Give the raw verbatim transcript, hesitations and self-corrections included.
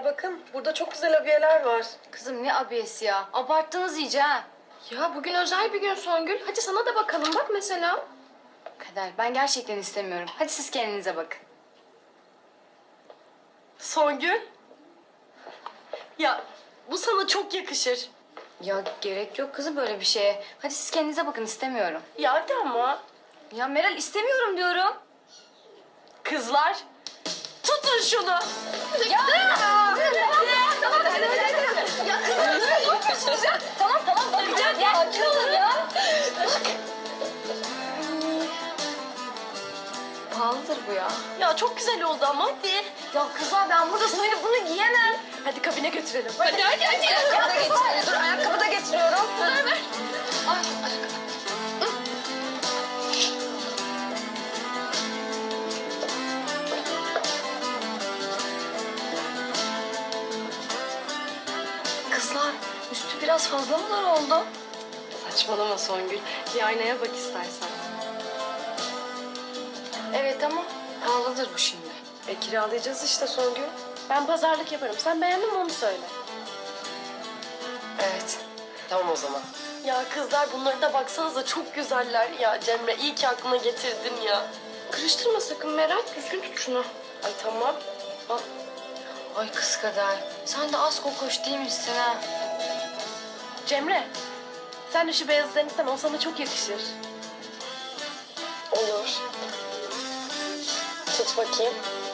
bakın. Burada çok güzel abiyeler var. Kızım ne abiyesi ya? Abarttınız iyice ha. Ya bugün özel bir gün Songül. Hadi sana da bakalım bak mesela. Kader ben gerçekten istemiyorum. Hadi siz kendinize bakın. Songül. Ya bu sana çok yakışır. Ya gerek yok kızım böyle bir şeye. Hadi siz kendinize bakın istemiyorum. Ya hadi ama. Ya Meral istemiyorum diyorum. Kızlar tutun şunu. Ya! Tamam tamam hadi hadi hadi. Ya kızım ne yapıyorsunuz ya? Tamam tamam bakacağım ya. Sakin olun ya. Pahalıdır bu ya. Ya çok güzel oldu ama hadi. Ya kızlar ben burada soyunup bunu giyemem. Hadi kabine götürelim. Hadi hadi hadi. Ayakkabı da getiriyorum. Dur ayakkabı da getiriyorum. Ver ver. Ay, ayakkabı. Kızlar üstü biraz fazla mı dar oldu? Saçmalama Songül. Bir aynaya bak istersen. Evet ama pahalıdır bu şimdi. E kiralayacağız işte Songül. Ben pazarlık yaparım. Sen beğendin mi onu söyle. Evet. Tamam o zaman. Ya kızlar bunları da baksanıza çok güzeller. Ya Cemre iyi ki aklına getirdin ya. Karıştırma sakın Meral. Düzgün tut şunu. Ay tamam. Al. Ay kız kadar. Sen de az kokoş değil misin ha? Cemre. Sen de şu beyazlarını sen o sana çok yakışır. Olur. Tut bakayım.